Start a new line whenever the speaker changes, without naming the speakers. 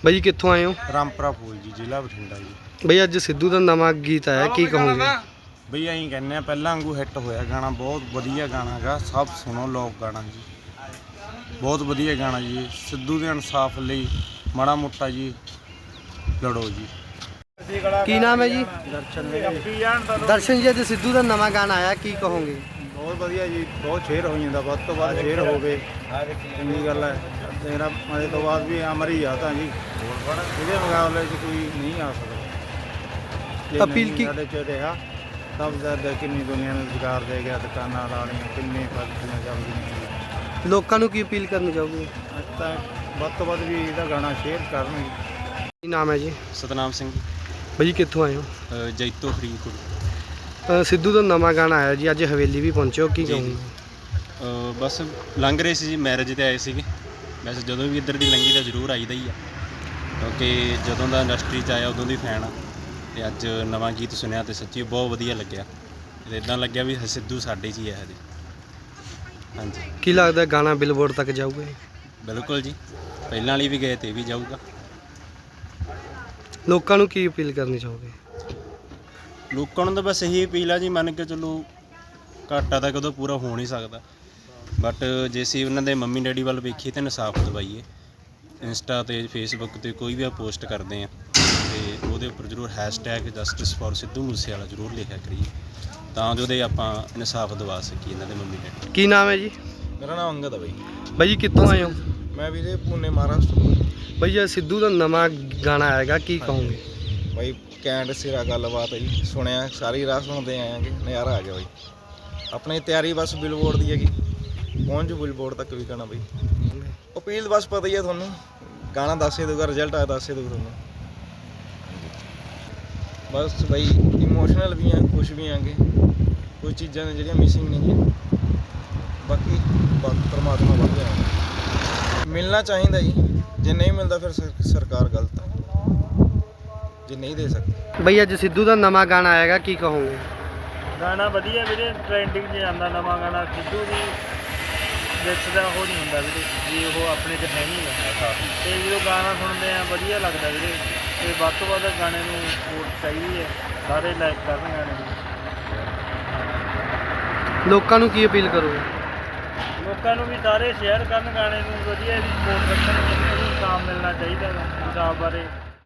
ਬਈ ਕਿੱਥੋਂ ਆਏ ਹੋ?
ਰਾਮਪੁਰਾ ਫੂਲ ਜੀ, ਜ਼ਿਲ੍ਹਾ ਬਠਿੰਡਾ ਜੀ।
ਬਈ ਅੱਜ ਸਿੱਧੂ ਦਾ ਨਵਾਂ ਗੀਤ ਆਇਆ, ਕੀ ਕਹੋਗੇ?
ਬਈ ਅਸੀਂ ਕਹਿੰਦੇ ਆ ਪਹਿਲਾਂ ਵਾਂਗੂ ਹਿੱਟ ਹੋਇਆ ਗਾਣਾ, ਬਹੁਤ ਵਧੀਆ ਗਾਣਾ ਹੈਗਾ, ਸਭ ਸੁਣੋ ਲੋਕ ਗਾਣਾ ਜੀ, ਬਹੁਤ ਵਧੀਆ ਗਾਣਾ ਜੀ। ਸਿੱਧੂ ਦੇ ਇਨਸਾਫ ਲਈ ਮਾੜਾ ਮੋਟਾ ਜੀ ਲੜੋ ਜੀ।
ਕੀ ਨਾਮ ਹੈ ਜੀ? ਦਰਸ਼ਨ ਜੀ, ਅੱਜ ਸਿੱਧੂ ਦਾ ਨਵਾਂ ਗਾਣਾ ਆਇਆ, ਕੀ ਕਹੋਗੇ?
ਬਹੁਤ ਵਧੀਆ ਜੀ, ਬਹੁਤ ਸ਼ੇਅਰ ਹੋ ਜਾਂਦਾ, ਵੱਧ ਤੋਂ ਵੱਧ ਸ਼ੇਅਰ ਹੋਵੇ, ਚੰਗੀ ਗੱਲ ਹੈ। ਮੇਰਾ ਮਜ਼ੇ ਤੋਂ ਬਾਅਦ ਵੀ ਅਮਰ ਹੀ ਆ ਤਾਂ ਜੀ, ਇਹਦੇ ਮੁਕਾਬਲੇ 'ਚ ਕੋਈ ਨਹੀਂ ਆ ਸਕਦਾ।
ਅਪੀਲ ਕੀ
ਸਾਡੇ 'ਚ ਰਿਹਾ ਸਭ ਦਾ ਕਿੰਨੀ ਦੁਨੀਆ ਨੂੰ ਰੁਜ਼ਗਾਰ ਦੇ ਗਿਆ, ਦੁਕਾਨਾਂ ਵਾਲੀਆਂ ਕਿੰਨੇ ਫੈਕਟਰੀਆਂ ਚੱਲਦੀਆਂ।
ਲੋਕਾਂ ਨੂੰ ਕੀ ਅਪੀਲ ਕਰਨੀ ਚਾਹੋਗੇ?
ਅੱਜ ਤਾਂ ਵੱਧ ਤੋਂ ਵੱਧ ਵੀ ਇਹਦਾ ਗਾਣਾ ਸ਼ੇਅਰ ਕਰਨ।
ਕੀ ਨਾਮ ਹੈ ਜੀ?
ਸਤਨਾਮ ਸਿੰਘ।
ਬਈ ਕਿੱਥੋਂ ਆਏ ਹੋ?
ਜੈਤੋ ਫਰੀਦਕੋਟ।
ਸਿੱਧੂ ਦਾ ਨਵਾਂ ਗਾਣਾ ਆਇਆ ਜੀ, ਅੱਜ ਹਵੇਲੀ ਵੀ ਪਹੁੰਚੇ ਹੋ, ਕੀ ਕਹੋਗੇ?
ਬਸ ਲੰਘ ਰਹੇ ਸੀ ਜੀ, ਮੈਰਿਜ 'ਤੇ ਆਏ ਸੀਗੇ। ਵੈਸੇ ਜਦੋਂ ਵੀ ਇੱਧਰ ਦੀ ਲੰਘੀ ਤਾਂ ਜ਼ਰੂਰ ਆਈਦਾ ਹੀ ਆ, ਕਿਉਂਕਿ ਜਦੋਂ ਦਾ ਇੰਡਸਟਰੀ 'ਚ ਆਇਆ ਉਦੋਂ ਦੀ ਫੈਨ ਆ। ਅਤੇ ਅੱਜ ਨਵਾਂ ਗੀਤ ਸੁਣਿਆ ਅਤੇ ਸੱਚੀ ਬਹੁਤ ਵਧੀਆ ਲੱਗਿਆ। ਅਤੇ ਇੱਦਾਂ ਲੱਗਿਆ ਵੀ ਸਿੱਧੂ ਸਾਡੇ 'ਚ ਹੀ ਹੈ ਹਜੇ। ਹਾਂਜੀ।
ਕੀ ਲੱਗਦਾ ਗਾਣਾ ਬਿਲਬੋਰਡ ਤੱਕ ਜਾਊਗਾ?
ਬਿਲਕੁਲ ਜੀ, ਪਹਿਲਾਂ ਵਾਲੀ ਵੀ ਗਏ ਅਤੇ ਵੀ ਜਾਊਗਾ।
ਲੋਕਾਂ ਨੂੰ ਕੀ ਅਪੀਲ ਕਰਨੀ ਚਾਹੋਗੇ?
ਲੋਕਾਂ ਨੂੰ ਤਾਂ ਬਸ ਇਹੀ ਅਪੀਲ ਆ ਜੀ, ਮੰਨ ਕੇ ਚਲੋ ਘਾਟਾ ਤਾਂ ਕਦੋਂ ਪੂਰਾ ਹੋ ਨਹੀਂ ਸਕਦਾ, ਬਟ ਜੇ ਅਸੀਂ ਉਹਨਾਂ ਦੇ ਮੰਮੀ ਡੈਡੀ ਵੱਲ ਵੇਖੀਏ ਤਾਂ ਇਨਸਾਫ ਦਿਵਾਈਏ। ਇੰਸਟਾ 'ਤੇ ਫੇਸਬੁੱਕ 'ਤੇ ਕੋਈ ਵੀ ਆ ਪੋਸਟ ਕਰਦੇ ਆ ਅਤੇ ਉਹਦੇ ਉੱਪਰ ਜ਼ਰੂਰ hashtag justice for Sidhu Moosewala ਜ਼ਰੂਰ ਲਿਖਿਆ ਕਰੀਏ, ਤਾਂ ਜੋ ਉਹਦੇ ਆਪਾਂ ਇਨਸਾਫ ਦਿਵਾ ਸਕੀਏ ਇਹਨਾਂ ਦੇ ਮੰਮੀ ਡੈਡੀ।
ਕੀ ਨਾਮ ਹੈ ਜੀ?
ਮੇਰਾ ਨਾਮ ਅੰਗਦ ਹੈ ਬਾਈ।
ਬਾਈ ਕਿੱਥੋਂ ਆਏ ਹੋ?
ਮੈਂ ਵੀਰੇ ਪੁਣੇ ਮਹਾਰਾਸ਼ਟਰ।
ਬਈ ਅੱਜ ਸਿੱਧੂ ਦਾ ਨਵਾਂ ਗਾਣਾ ਆਏਗਾ, ਕੀ ਕਹੋਗੇ?
ਬਾਈ ਕੈਂਟ ਸਿਰਾ ਗੱਲਬਾਤ ਹੈ ਜੀ, ਸੁਣਿਆ ਸਾਰੀ ਰਾਤ ਸੁਣਦੇ ਆਏਗੇ, ਨਜ਼ਾਰਾ ਆ ਗਿਆ ਬਾਈ। ਆਪਣੀ ਤਿਆਰੀ ਬਸ ਬਿਲਬੋਰਡ ਦੀ ਹੈਗੀ, ਪਹੁੰਚ ਬਿਲਬੋਰਡ ਤੱਕ ਵੀ ਗਾਣਾ ਬਾਈ। ਅਪੀਲ ਬਸ ਪਤਾ ਹੀ ਹੈ ਤੁਹਾਨੂੰ, ਗਾਣਾ ਦੱਸ ਹੀ ਦੂਗਾ, ਰਿਜ਼ਲਟ ਆ ਦੱਸ ਹੀ ਦੂਗਾ ਤੁਹਾਨੂੰ। ਬਸ ਬਾਈ ਇਮੋਸ਼ਨਲ ਵੀ ਆ, ਖੁਸ਼ ਵੀ ਆਂਗੇ, ਕੁਝ ਚੀਜ਼ਾਂ ਨੇ ਜਿਹੜੀਆਂ ਮਿਸਿੰਗ ਨਹੀਂ ਹੈ, ਬਾਕੀ ਪਰਮਾਤਮਾ ਵੱਧ ਜਾਣਾ ਮਿਲਣਾ ਚਾਹੀਦਾ ਜੀ। ਜੇ ਨਹੀਂ ਮਿਲਦਾ ਫਿਰ ਸਰਕਾਰ ਗਲਤ ਹੈ, ਜੇ ਨਹੀਂ ਦੇ ਸਕਦੀ।
ਬਈ ਅੱਜ ਸਿੱਧੂ ਦਾ ਨਵਾਂ ਗਾਣਾ ਆਏਗਾ, ਕੀ ਕਹੋਗੇ?
ਗਾਣਾ ਵਧੀਆ ਵੀਰੇ, ਟ੍ਰੈਂਡਿੰਗ 'ਚ ਜਾਂਦਾ ਨਵਾਂ ਗਾਣਾ। ਸਿੱਧੂ ਦੀ ਵਿੱਚ ਦਾ ਉਹ ਨਹੀਂ ਹੁੰਦਾ ਵੀਰੇ, ਜੀ ਉਹ ਆਪਣੇ 'ਚ ਹੈ ਨਹੀਂ ਗਾ, ਅਤੇ ਜਦੋਂ ਗਾਣਾ ਸੁਣਦੇ ਆ ਵਧੀਆ ਲੱਗਦਾ ਵੀਰੇ। ਅਤੇ ਵੱਧ ਤੋਂ ਵੱਧ ਗਾਣੇ ਨੂੰ ਸਪੋਰਟ ਚਾਹੀਦੀ ਹੈ, ਸਾਰੇ ਲਾਈਕ ਕਰਨ ਗਾਣੇ ਨੂੰ।
ਲੋਕਾਂ ਨੂੰ ਕੀ ਅਪੀਲ ਕਰੋਗੇ?
ਲੋਕਾਂ ਨੂੰ ਵੀ ਸਾਰੇ ਸ਼ੇਅਰ ਕਰਨ ਗਾਣੇ ਨੂੰ, ਵਧੀਆ ਇਹਦੀ ਸਪੋਰਟ ਰੱਖਣ, ਇਹਨੂੰ ਇਨਸਾਫ ਮਿਲਣਾ ਚਾਹੀਦਾ ਗਾ, ਇਨਸਾਫ ਬਾਰੇ